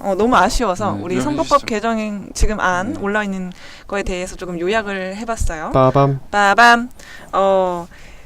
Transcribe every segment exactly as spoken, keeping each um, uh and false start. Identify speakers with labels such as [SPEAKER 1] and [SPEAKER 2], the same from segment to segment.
[SPEAKER 1] 어, 너무 아쉬워서
[SPEAKER 2] 네,
[SPEAKER 1] 우리
[SPEAKER 2] 요약해
[SPEAKER 1] 선거법
[SPEAKER 2] 주시죠.
[SPEAKER 1] 개정 지금 안
[SPEAKER 2] 네.
[SPEAKER 1] 올라 있는 거에 대해서 조금 요약을 해봤어요.
[SPEAKER 3] 빠밤.
[SPEAKER 1] 빠밤. 어,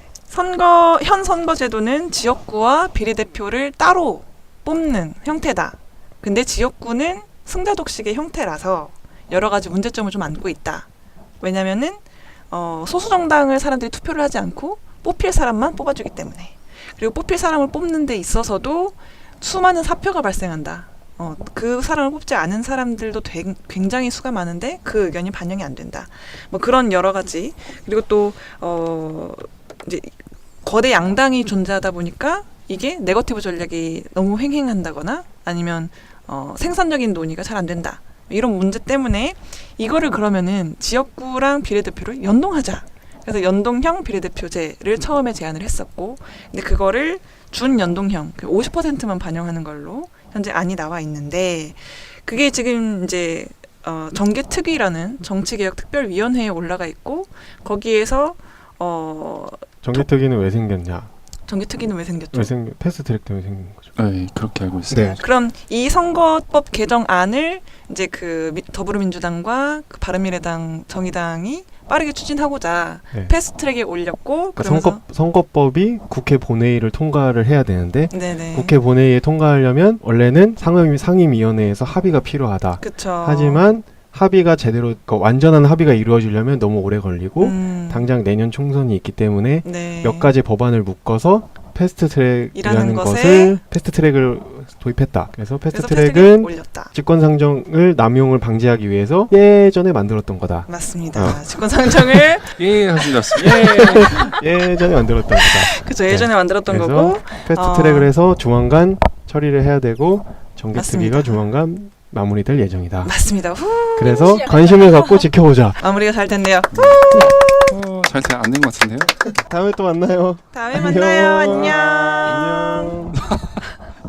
[SPEAKER 1] 선거 현 선거제도는 지역구와 비례대표를 따로 뽑는 형태다. 근데 지역구는 승자 독식의 형태라서 여러 가지 문제점을 좀 안고 있다. 왜냐면은 어, 소수 정당을 사람들이 투표를 하지 않고 뽑힐 사람만 뽑아주기 때문에. 그리고 뽑힐 사람을 뽑는 데 있어서도 수많은 사표가 발생한다. 어, 그 사람을 뽑지 않은 사람들도 되, 굉장히 수가 많은데 그 의견이 반영이 안 된다. 뭐 그런 여러 가지. 그리고 또 어, 이제 거대 양당이 존재하다 보니까 이게 네거티브 전략이 너무 횡행한다거나 아니면 어, 생산적인 논의가 잘 안 된다. 이런 문제 때문에 이거를 그러면은 지역구랑 비례대표를 연동하자. 그래서 연동형 비례대표제를 처음에 제안을 했었고, 근데 그거를 준연동형 오십 퍼센트만 반영하는 걸로 현재 안이 나와 있는데, 그게 지금 이제 어, 정계특위라는 정치개혁특별위원회에 올라가 있고, 거기에서 어,
[SPEAKER 3] 정기특위는 왜 생겼냐?
[SPEAKER 1] 정계특위는 왜 생겼죠?
[SPEAKER 3] 왜 생? 패스트트랙 때문에 생긴 거죠.
[SPEAKER 2] 네, 그렇게 알고 있습니다.
[SPEAKER 3] 네.
[SPEAKER 1] 그럼 이 선거법 개정안을 이제 그 미- 더불어민주당과 그 바른미래당, 정의당이 빠르게 추진하고자
[SPEAKER 3] 네.
[SPEAKER 1] 패스트트랙에 올렸고,
[SPEAKER 3] 그러니까
[SPEAKER 1] 그러면서
[SPEAKER 3] 선거 선거법이 국회 본회의를 통과를 해야 되는데
[SPEAKER 1] 네네.
[SPEAKER 3] 국회 본회의에 통과하려면 원래는 상임 상임위원회에서 합의가 필요하다.
[SPEAKER 1] 그쵸.
[SPEAKER 3] 하지만 합의가 제대로 그러니까 완전한 합의가 이루어지려면 너무 오래 걸리고
[SPEAKER 1] 음,
[SPEAKER 3] 당장 내년 총선이 있기 때문에
[SPEAKER 1] 네.
[SPEAKER 3] 몇 가지 법안을 묶어서 패스트트랙이라는
[SPEAKER 1] 이라는 것에
[SPEAKER 3] 것을 패스트트랙을 도입했다. 그래서
[SPEAKER 1] 그래서
[SPEAKER 3] 패스트트랙은
[SPEAKER 1] 패스트트랙에 올렸다.
[SPEAKER 3] 직권상정을 남용을 방지하기 위해서 예전에 만들었던 거다.
[SPEAKER 1] 맞습니다.
[SPEAKER 3] 어.
[SPEAKER 1] 직권상정을
[SPEAKER 2] 예, 하시겠습니다.
[SPEAKER 3] 예, 예전에 만들었던 거다.
[SPEAKER 1] 그죠, 예전에 만들었던
[SPEAKER 3] 그래서
[SPEAKER 1] 거고.
[SPEAKER 3] 패스트트랙을
[SPEAKER 1] 어.
[SPEAKER 3] 해서 조만간 처리를 해야 되고 정기특위가
[SPEAKER 1] 맞습니다.
[SPEAKER 3] 조만간 마무리될 예정이다.
[SPEAKER 1] 맞습니다. 후,
[SPEAKER 3] 그래서 관심을 갖고 지켜보자.
[SPEAKER 1] 마무리가 잘 됐네요.
[SPEAKER 2] 어, 잘 안된 것 같은데요?
[SPEAKER 3] 다음에 또 만나요.
[SPEAKER 1] 다음에
[SPEAKER 3] 안녕.
[SPEAKER 1] 만나요. 안녕.